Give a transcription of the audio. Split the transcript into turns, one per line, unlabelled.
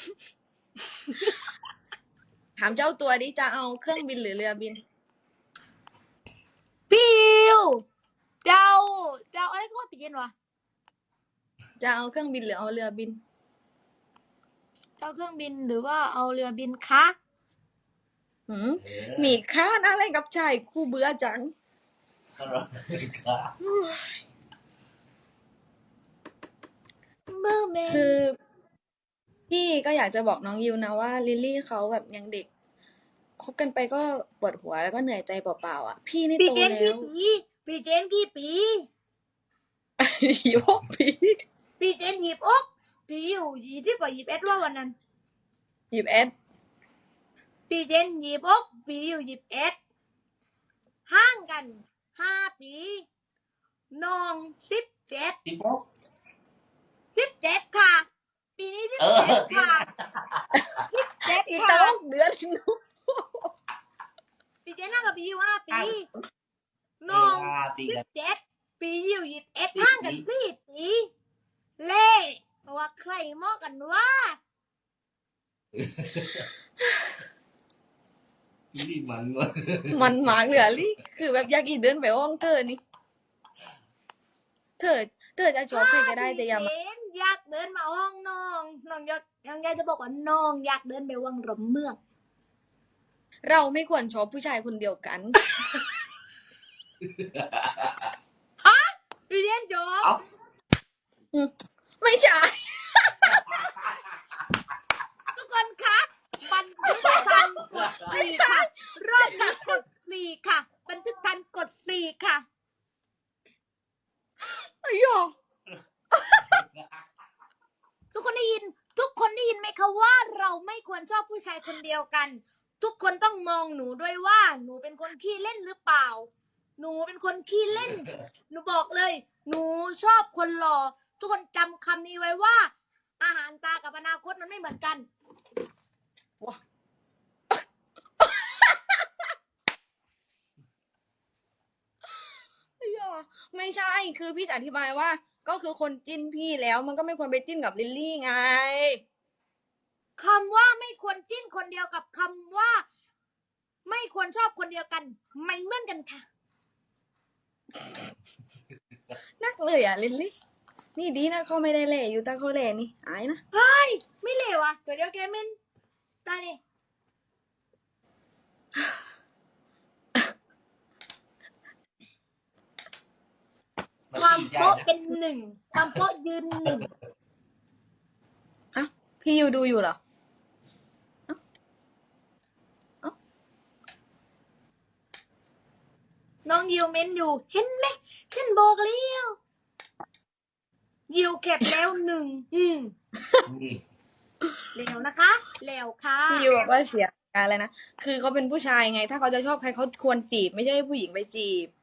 ถามเจ้าตัวดิจะเอาเครื่องบินหรือเรือบิน
พี่อิวเจ้าอะไรก็ว่าปีเย็นวะ
จะเอาเครื่องบินหรือเอาเรือบิน
เจ้าเครื่องบินหรือว่าเอาเรือบินคะ
มีค่าอะไรกับชายคู่เบื่อจังคือพี่ก็อยากจะบอกน้องยิวนะว่าลิลลี่เขาแบบยังเด็กคบกันไปก็ปวดหัวแล้วก็เหนื่อยใจเปล่าๆอ่ะพี่นี่
ปี
โต
เจน
แล้
กี่
ว
ปีปีเจนกี่ปี
26 ปี
ปีเจน26ปีอยู่20กว่า21ว่าวันนั้น
21
ปีเจน26ปีอยู่21ห่างกัน5 ปีน้อง17ค่ะปีนี้17ค่ะ17
อีก
ค่ะ
ตั้งเดือน
ปีเจนน่ากับปีอยู่5 ปีน้อง17ปีอยู่21ห่างกัน4 ปีเล่ว่าใครเหมาะกันวะ
นี่มันวะ
มันหมากเหลือลี่คือแบบอยากอีเดินไปห้องเธอนี่เธอจะชอบใครก็ได้แต่อย่ามา
อยากเดินมาห้องน้องอยากจะบอกว่าน้องอยากเดินไปวังรมเมือง
เราไม่ควรชอบผู้ชายคนเดียวกัน
เรียนจบ
เอ้า
ไม่ใช่
ทุกคนคะบันทึกทันกด4ค่ะรอบนี้กด4ค่ะบันทึกทันกด4ค่ะ
ไอ้หยอ
ทุกคนได้ยินไหมคะว่าเราไม่ควรชอบผู้ชายคนเดียวกัน ทุกคนต้องมองหนูด้วยว่าหนูเป็นคนขี้เล่นหรือเปล่าหนูเป็นคนขี้เล่นหนูบอกเลยหนูชอบคนหล่อทุกคนจำคำนี้ไว้ว่า อาหารตากับอนาคตมันไม่เหมือนกัน
ไอ้หยอไม่ใช่คือพี่จะอธิบายว่า ก็คือคนจิ้นพี่แล้วมันก็ไม่ควรไปจิ้นกับลิลลี่ไง
คำว่าไม่ควรจิ้นคนเดียวกับคำว่า ไม่ควรชอบคนเดียวกันไม่เหมือนกันค่ะ
นักเลยอ่ะลิลลี่ นี่ดีนะเขาไม่ได้เล่อยู่ตั้งเขาเล่นี่อายนะ
ไม่เลวอ่ะตัวเดียวแกเมนตายเลยความโป๊ะเป็น1ความโป๊ะยืน1
อ่ะพี่ยูดูอยู่เหรอ
น้องยิวเมนอยู่เห็นไหมฉันบอกแล้วยิวเก็บแล้ว1แล้วนะคะแล้วค่ะ
พี่ยูบอกว่าเสียการเลยนะ คือเขาเป็นผู้ชายไง ถ้าเขาจะชอบใครเขาควรจีบไม่ใช่ให้ผู้หญิงไปจีบ